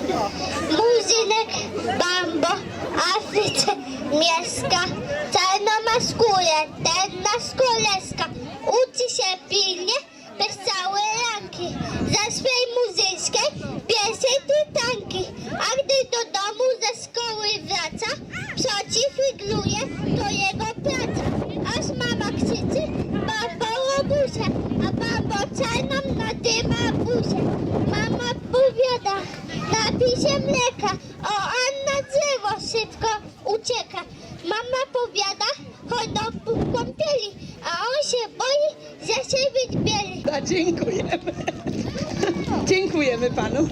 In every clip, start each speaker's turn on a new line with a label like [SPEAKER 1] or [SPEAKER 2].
[SPEAKER 1] Murzynek, bambo, Afryce mieszka. Czarno ma skórę, ten z koleska. Uczy się pilnie, bez całej ranki. Za swej muzycznej pierwszej tytanki. A gdy do domu ze szkoły wraca, przeciwigluje to jego praca. Aż mama krzyczy, bambo robusie, a bambo czarną nadyma buzię. Mama powiada, napij się mleka, o Anna drzewo szybko ucieka. Mama powiada, chodź do kąpieli, a on się boi, że się wyćbieli.
[SPEAKER 2] Dziękujemy. Dziękujemy panu.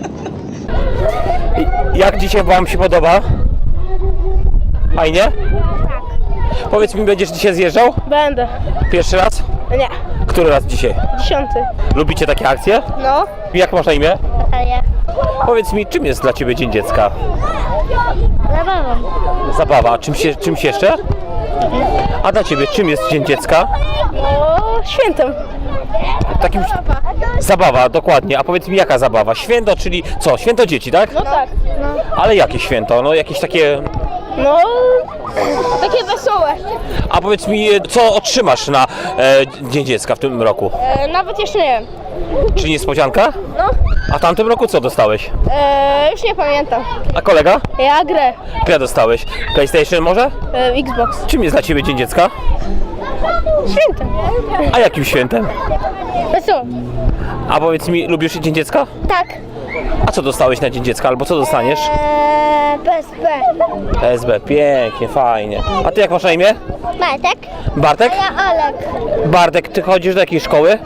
[SPEAKER 3] Jak dzisiaj wam się podoba? Fajnie? Tak. Powiedz mi, będziesz dzisiaj zjeżdżał?
[SPEAKER 4] Będę.
[SPEAKER 3] Pierwszy raz?
[SPEAKER 4] Nie.
[SPEAKER 3] Który raz dzisiaj?
[SPEAKER 4] 10.
[SPEAKER 3] Lubicie takie akcje?
[SPEAKER 4] No.
[SPEAKER 3] Jak masz na imię?
[SPEAKER 4] Natalia.
[SPEAKER 3] Powiedz mi, czym jest dla ciebie Dzień Dziecka?
[SPEAKER 4] Zabawą.
[SPEAKER 3] Zabawa. A czymś jeszcze? A dla ciebie czym jest Dzień Dziecka?
[SPEAKER 4] No, świętem.
[SPEAKER 3] Takim... Zabawa, dokładnie. A powiedz mi, jaka zabawa? Święto, czyli co? Święto dzieci, tak?
[SPEAKER 4] No tak. No.
[SPEAKER 3] Ale jakie święto? No jakieś takie...
[SPEAKER 4] No, takie wesołe.
[SPEAKER 3] A powiedz mi, co otrzymasz na Dzień Dziecka w tym roku?
[SPEAKER 4] Nawet jeszcze nie wiem.
[SPEAKER 3] Czy niespodzianka?
[SPEAKER 4] No.
[SPEAKER 3] A w tamtym roku co dostałeś?
[SPEAKER 4] Już nie pamiętam.
[SPEAKER 3] A kolega?
[SPEAKER 4] Ja grę.
[SPEAKER 3] Ile dostałeś? PlayStation może?
[SPEAKER 4] Xbox.
[SPEAKER 3] Czym jest dla ciebie Dzień Dziecka?
[SPEAKER 4] Świętem.
[SPEAKER 3] A jakim świętem?
[SPEAKER 4] Wesoło.
[SPEAKER 3] A powiedz mi, lubisz Dzień Dziecka?
[SPEAKER 4] Tak.
[SPEAKER 3] A co dostałeś na Dzień Dziecka albo co dostaniesz?
[SPEAKER 4] PSP.
[SPEAKER 3] PSB, pięknie, fajnie. A ty jak masz na imię?
[SPEAKER 4] Bartek.
[SPEAKER 3] Bartek?
[SPEAKER 4] Ja Olek.
[SPEAKER 3] Bartek, ty chodzisz do jakiej szkoły?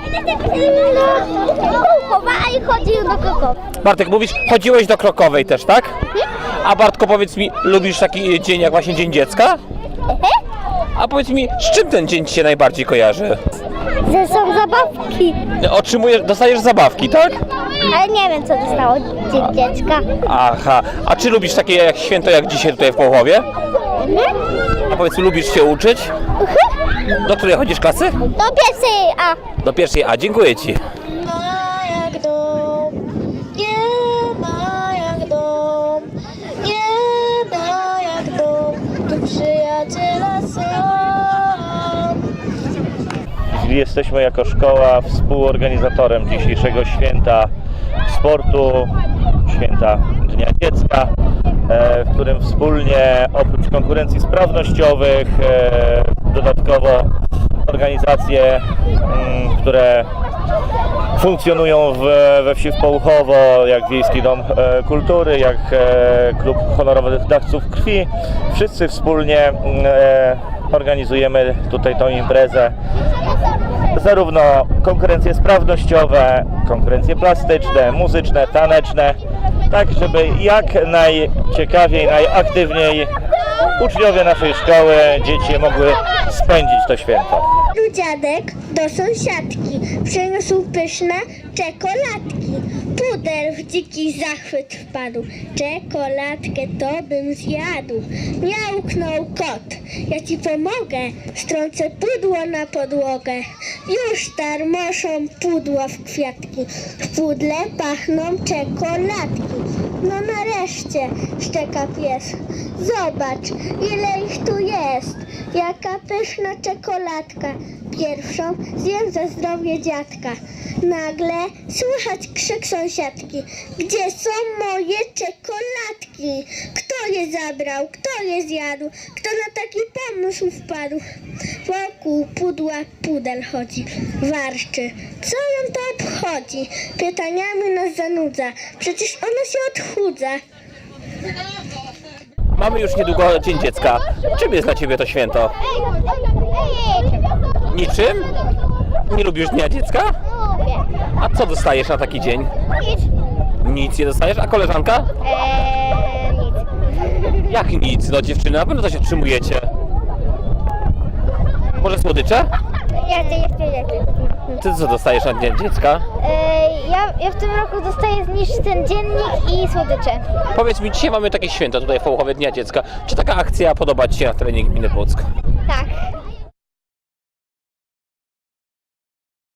[SPEAKER 4] Kuchowa i chodził do Krakowa.
[SPEAKER 3] Bartek, mówisz, chodziłeś do Krokowej też, tak? A Bartko, powiedz mi, lubisz taki dzień jak właśnie Dzień Dziecka? A powiedz mi, z czym ten dzień ci się najbardziej kojarzy?
[SPEAKER 4] Że są zabawki.
[SPEAKER 3] Dostajesz zabawki, tak?
[SPEAKER 4] Ale nie wiem, co dostało Dzień Dziecka.
[SPEAKER 3] Aha, a czy lubisz takie jak święto jak dzisiaj tutaj w Połowie? A powiedz, lubisz się uczyć? Do której chodzisz klasy?
[SPEAKER 4] Do pierwszej A.
[SPEAKER 3] Do pierwszej A, dziękuję ci.
[SPEAKER 1] Ma jak dom, nie ma jak dom, nie ma jak dom, tu przyjaciela są.
[SPEAKER 3] Jesteśmy jako szkoła współorganizatorem dzisiejszego święta sportu, święta Dnia Dziecka, w którym wspólnie oprócz konkurencji sprawnościowych dodatkowo organizacje, które funkcjonują we wsi w Połuchowo, jak Wiejski Dom Kultury, jak Klub Honorowych Dawców Krwi, wszyscy wspólnie organizujemy tutaj tą imprezę. Zarówno konkurencje sprawnościowe, konkurencje plastyczne, muzyczne, taneczne, tak żeby jak najciekawiej, najaktywniej uczniowie naszej szkoły, dzieci mogły spędzić to święto.
[SPEAKER 1] Dziadek do sąsiadki przyniósł pyszne czekoladki. Puder w dziki zachwyt wpadł. Czekoladkę to bym zjadł. Miałknął kot. Ja ci pomogę. Strącę pudło na podłogę. Już tarmoszą pudła w kwiatki. W pudle pachną czekoladki. No nareszcie, szczeka pies. Zobacz, ile ich tu jest. Jaka pyszna czekoladka. Pierwszą zjem za zdrowie dziadka. Nagle słychać krzyk sąsiadki. Gdzie są moje czekoladki? Kto je zabrał? Kto je zjadł? Kto na taki pomysł wpadł? Wokół pudła pudel chodzi, warczy. Co ją to obchodzi? Pytaniami nas zanudza. Przecież ona się odchudza.
[SPEAKER 3] Mamy już niedługo Dzień Dziecka. Czym jest dla ciebie to święto? Niczym? Nie lubisz Dnia Dziecka? A co dostajesz na taki dzień? Nic nie dostajesz? A koleżanka?
[SPEAKER 4] Nic.
[SPEAKER 3] Jak nic? No dziewczyny, na pewno coś otrzymujecie. Może słodycze?
[SPEAKER 4] Ja to jeszcze nie.
[SPEAKER 3] Ty co dostajesz na Dzień Dziecka?
[SPEAKER 4] Ja w tym roku dostaję zniszcz ten dziennik i słodycze.
[SPEAKER 3] Powiedz mi, dzisiaj mamy takie święto tutaj w Połuchowie Dnia Dziecka. Czy taka akcja podoba ci się na terenie gminy Płock?